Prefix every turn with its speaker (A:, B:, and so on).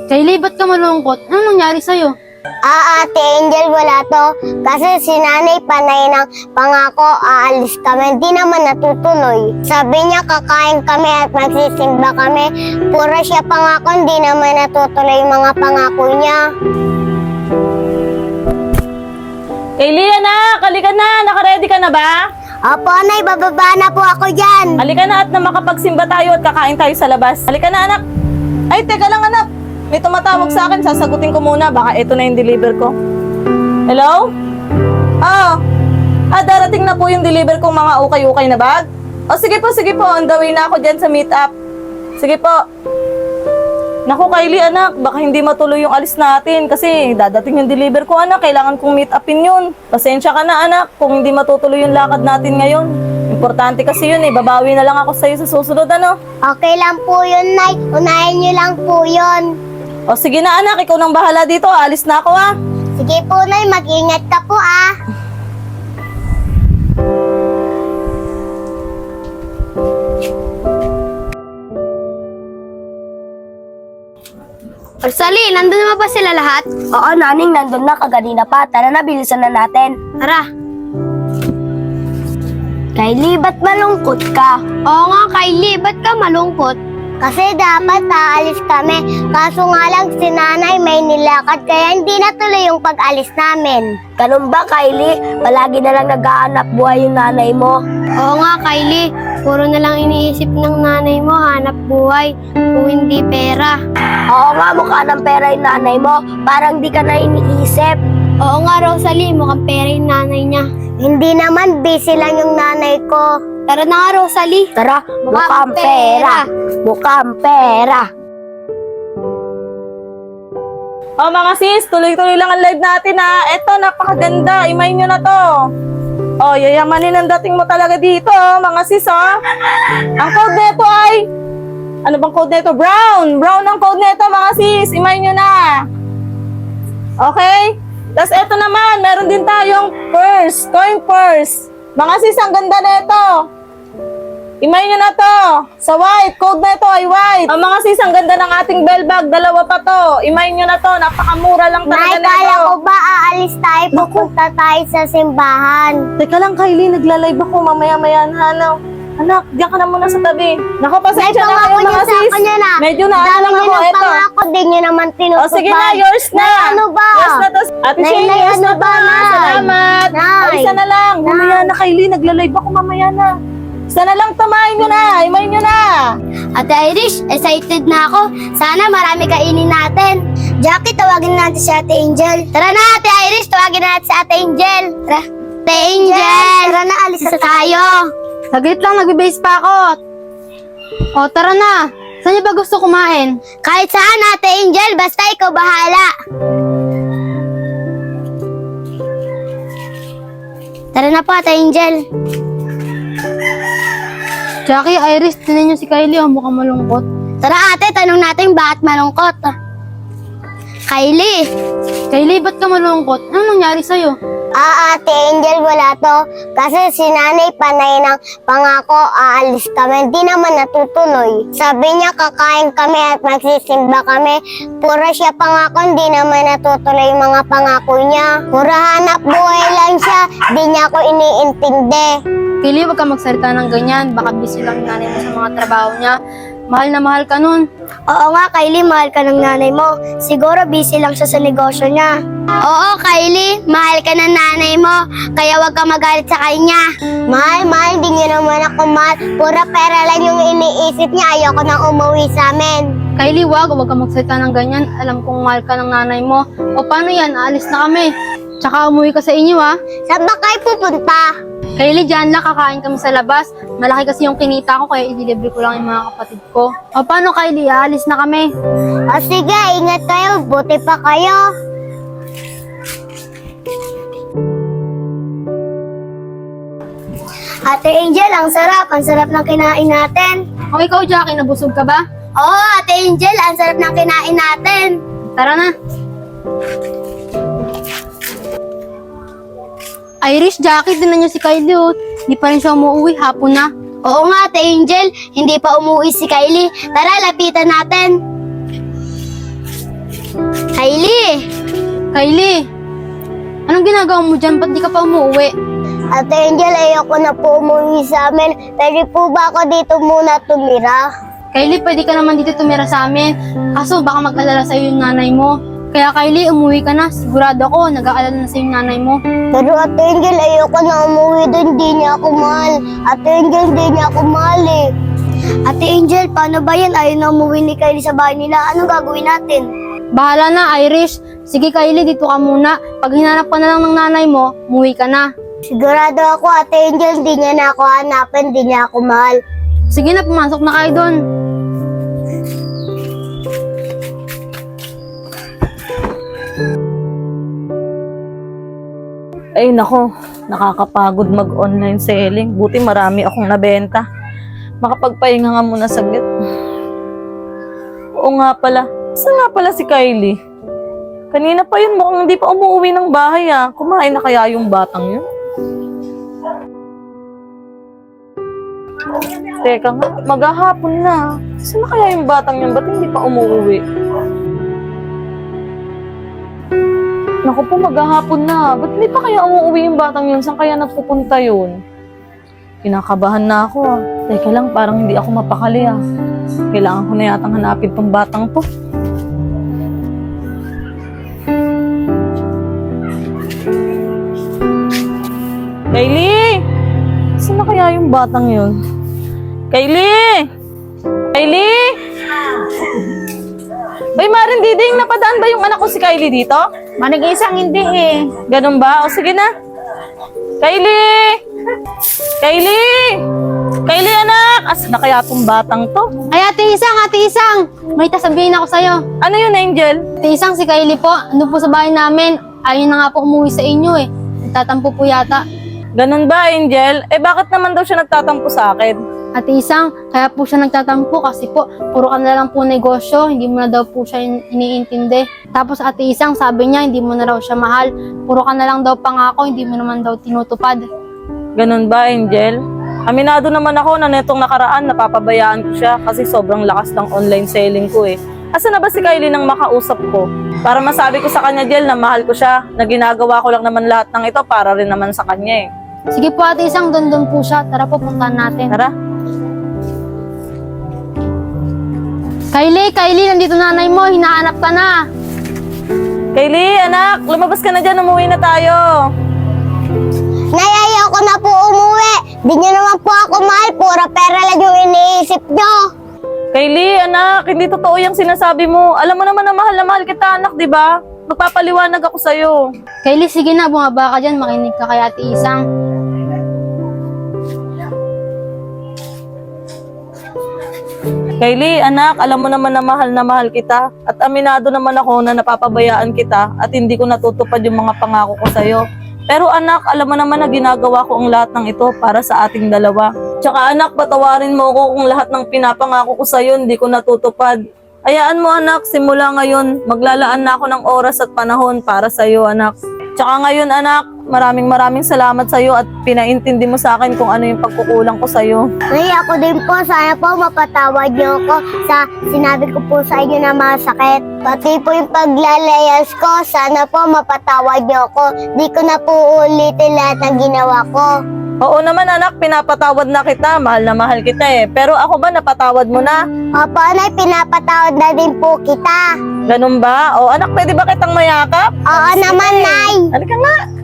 A: Kylie, ba't ka malungkot? Anong nangyari sa'yo?
B: Ate Angel, wala to. Kasi si nanay panay ng pangako, aalis kami. Di naman natutuloy. Sabi niya kakain kami at magsisimba kami. Puro siya pangako, di naman natutuloy yung mga pangako niya.
C: Kylie, anak! Halika na! Nakaready ka na ba?
B: Opo, Nay, bababa na po ako dyan.
C: Halika na at na makapagsimba tayo at kakain tayo sa labas. Halika na, anak! Ay, teka lang, anak! May tumatawag sa akin, sasagutin ko muna. Baka ito na yung deliver ko. Hello? Darating na po yung deliver kong mga ukay-ukay na bag? Sige po, on the way na ako dyan sa meet-up. Sige po. Naku, Kylie, anak, baka hindi matuloy yung alis natin kasi dadating yung deliver ko, anak. Kailangan kong meet-upin yun. Pasensya ka na, anak, kung hindi matutuloy yung lakad natin ngayon. Importante kasi yun babawi na lang ako sa'yo sa susunod, ano?
B: Okay lang po yun, Nay. Unahin niyo lang po yun.
C: Sige na, anak, ikaw nang bahala dito. Alis na ako, ha?
B: Sige po, Nay. Mag-ingat ka po,
A: Rosalie, nandun naman ba sila lahat?
D: Oo, naning, nandun na kaganina pa. Tara na, bilisan na natin.
A: Tara.
D: Kylie, ba't malungkot ka?
A: Oo nga, Kylie, ba't ka malungkot?
B: Kasi dapat aalis kami. Kaso nga lang si nanay may nilakad kaya hindi natuloy yung pag-alis namin.
D: Ganun ba, Kylie? Palagi na lang nag-aanap buhay yung nanay mo.
A: Oo nga, Kylie. Puro na lang iniisip ng nanay mo, hanap buhay, kung hindi pera.
D: Oo nga, mukha ng pera yung nanay mo. Parang di ka na iniisip.
A: Oo nga, Rosalie, mukhang pera yung nanay niya.
B: Hindi naman, busy lang yung nanay ko.
A: Tara na nga, Rosalie.
D: Tara, mukhang pera. Mukhang pera.
C: Mga sis, tuloy-tuloy lang ang live natin, ha? Eto, napakaganda. Imayin nyo na to. Yayamanin ang dating mo talaga dito, mga sis, Ang code neto ay... Ano bang code neto? Brown! Brown ang code neto, mga sis. Imayin nyo na. Okay? Tapos eto naman, meron din tayong purse. Coin purse. Mga sis, ang ganda neto. Imayin nyo na to. Sa white, code na ito ay white. Mga sis, ang ganda ng ating bell bag. Dalawa pa to. Imayin nyo na to. Napakamura lang talaga
B: Nay,
C: na
B: kala
C: ito.
B: ko ba aalis tayo, pupunta tayo sa simbahan.
C: Teka lang, Kylie. Nagla-live ako. Mamaya-maya na. Anak, diyan ka na muna sa tabi. Naku, pasensya na kayo, mga sis. Medyo na lang ako. Ito.
B: Pangako, di nyo naman tinutupad.
C: Sige na, yours na.
B: Nay, ano ba?
C: Yours na to. Ate
B: Nay,
C: Shane,
B: Nay,
C: yours
B: ano
C: na to.
B: ba?
C: Salamat.
B: Nay.
C: Isa na lang.
B: Nay.
C: Mamaya na, Kylie. Nagla-live ako. Mamaya na. Isa na lang, tamahin nyo na. Imayin nyo na.
B: Ate Irish, excited na ako. Sana marami kainin natin. Jackie, tawagin natin si Ate Angel. Tara na, Ate Irish, tawagin natin si Ate Angel. Tara. Ate Angel! Tara na, alis na tayo.
A: Saglit lang, nagbe-base pa ako. Tara na. Saan niyo ba gusto kumain?
B: Kahit saan, Ate Angel, basta ikaw bahala. Tara na po, Ate Angel.
A: Jackie, Iris, tinan niyo si Kylie, mukhang malungkot.
B: Tara, ate, tanong natin bakit malungkot. Kylie.
A: Kylie, ba't ka malungkot? Anong nangyari sa'yo?
B: Ate Angel, wala to. Kasi si nanay panay ng pangako, aalis kami. Di naman natutuloy. Sabi niya kakain kami at magsisimba kami. Puro siya pangako, di naman natutuloy yung mga pangako niya. Puro hanap buhay lang siya. Di niya ako iniintindi.
A: Kylie, wag ka magsalita ng ganyan. Baka busy lang yung nanay mo sa mga trabaho niya. Mahal na mahal ka nun.
B: Oo nga, Kylie, mahal ka ng nanay mo. Siguro busy lang siya sa negosyo niya. Oo, Kylie, mahal ka ng nanay mo. Kaya wag ka magalit sa kanya. Mahal, hindi niya naman ako mahal. Pura pera lang yung iniisip niya. Ayoko nang umuwi sa amin.
A: Kylie, wag ka magsalita ng ganyan. Alam kong mahal ka ng nanay mo. O paano yan? Aalis na kami. Tsaka umuwi ka sa inyo, ha?
B: Saan ba kayo pupunta?
A: Kylie, dyan lang, kakain kami sa labas. Malaki kasi yung kinita ko, kaya i-deliver ko lang yung mga kapatid ko. O paano, Kylie? Aalis na kami.
B: O sige, ingat kayo. Buti pa kayo. Ate Angel, ang sarap. Ang sarap ng kinain natin.
A: O ikaw, Jackie, nabusog ka ba?
B: Oo, Ate Angel, ang sarap ng kinain natin.
A: Tara na. Irish, Jackie, tinan niyo si Kylie, oh. Hindi pa rin siya umuwi, hapon na.
B: Oo nga, Ate Angel, hindi pa umuwi si Kylie. Tara, lapitan natin.
A: Kylie! Kylie! Anong ginagawa mo dyan? Ba't di ka pa umuwi?
B: Ate Angel, ayoko na po umuwi sa amin. Pwede po ba ako dito muna tumira?
A: Kylie, pwede ka naman dito tumira sa amin. Kaso baka mag-alala sa'yo yung nanay mo. Kaya Kylie, umuwi ka na. Sigurado ako, nag-aalala na sa'yo yung nanay mo.
B: Pero Ate Angel, ayoko na umuwi doon. Di niya ako mahal. Ate Angel, di niya ako mahal eh.
D: Ate Angel, paano ba yan? Ayaw na umuwi ni Kylie sa bahay nila. Anong gagawin natin?
A: Bahala na, Irish. Sige Kylie, dito ka muna. Pag hinanap ka na lang ng nanay mo, umuwi ka na.
B: Sigurado ako, Ate Angel, di niya na ako hanapin. Di niya ako mahal.
A: Sige na, pumasok na kayo doon.
C: Ay nako, nakakapagod mag-online selling. Buti marami akong nabenta. Makapagpahinga nga muna saglit. Oo nga pala. Saan nga pala si Kylie? Kanina pa yun, mukhang hindi pa umuwi ng bahay ah. Kumain na kaya yung batang yun? Teka nga, maghahapon na. Saan na kaya yung batang yun? Ba't hindi pa umuwi? Naku po, maghahapon na. Ba't hindi pa kaya umuwi yung batang yun? Saan kaya nagpupunta yun? Kinakabahan na ako ah. Teka lang, parang hindi ako mapakali ah. Kailangan ko na yatang hanapin tong batang to. Kylie! Saan na kaya yung batang yun? Kylie! Kylie! Bay, Marin Diding, napadaan ba yung anak ko si Kylie dito?
D: Manag-isang hindi eh.
C: Ganun ba? O sige na. Kylie! Kylie! Kylie, anak! Asa na kaya tong batang to?
A: Ay, Ate Isang! May tasabihin ako sa'yo.
C: Ano yun, Angel?
A: Ate Isang, si Kylie po, ano po sa bahay namin. Ayaw na nga po umuwi sa inyo eh. Nagtatampo po yata.
C: Ganun ba, Angel? Eh, bakit naman daw siya nagtatampo sa akin?
A: Ate Isang, kaya po siya nagtatampo kasi po, puro ka na lang po negosyo, hindi mo na daw po siya iniintindi. Tapos Ate Isang, sabi niya, hindi mo na raw siya mahal. Puro ka na lang daw pangako, hindi mo naman daw tinutupad.
C: Ganun ba, Angel? Aminado naman ako na netong nakaraan, napapabayaan ko siya kasi sobrang lakas ng online selling ko eh. Asa na ba si Kylie nang makausap ko? Para masabi ko sa kanya, Jel, na mahal ko siya, na ginagawa ko lang naman lahat ng ito para rin naman sa kanya eh.
A: Sige po Ate Isang, doon po siya. Tara po, puntahan natin.
C: Tara.
A: Kylie, nandito nanay mo, hinahanap ka na.
C: Kylie, anak, lumabas ka na dyan, umuwi na tayo.
B: Nay, ayoko na po umuwi. Di niyo naman po ako mahal. Pura pera lang yung iniisip niyo.
C: Kylie, anak, hindi totoo yung sinasabi mo. Alam mo naman na mahal kita, anak, di ba? Magpapaliwanag ako sa'yo.
A: Kylie, sige na, bumaba ka dyan, makinig ka kay Ate Isang.
C: Kylie, anak, alam mo naman na mahal kita. At aminado naman ako na napapabayaan kita at hindi ko natutupad yung mga pangako ko sa'yo. Pero anak, alam mo naman na ginagawa ko ang lahat ng ito para sa ating dalawa. Tsaka anak, patawarin mo ako kung lahat ng pinapangako ko sa'yo hindi ko natutupad. Hayaan mo anak, simula ngayon, maglalaan na ako ng oras at panahon para sa'yo anak. Tsaka ngayon anak, maraming salamat sa'yo at pinaintindi mo sa akin kung ano yung pagkukulang ko sa'yo.
B: Nay, ako din po. Sana po mapatawad niyo ako sa sinabi ko po sa inyo na masakit. Pati po yung paglalayas ko, sana po mapatawad niyo ako. Di ko na po ulitin lahat ng ginawa ko.
C: Oo naman anak, pinapatawad na kita, mahal na mahal kita eh. Pero ako ba napatawad mo na?
B: Opo, Nay, pinapatawad na din po kita.
C: Ganun ba? O anak, pwede ba kitang mayakap?
B: Oo naman, Nay.
C: Halika nga.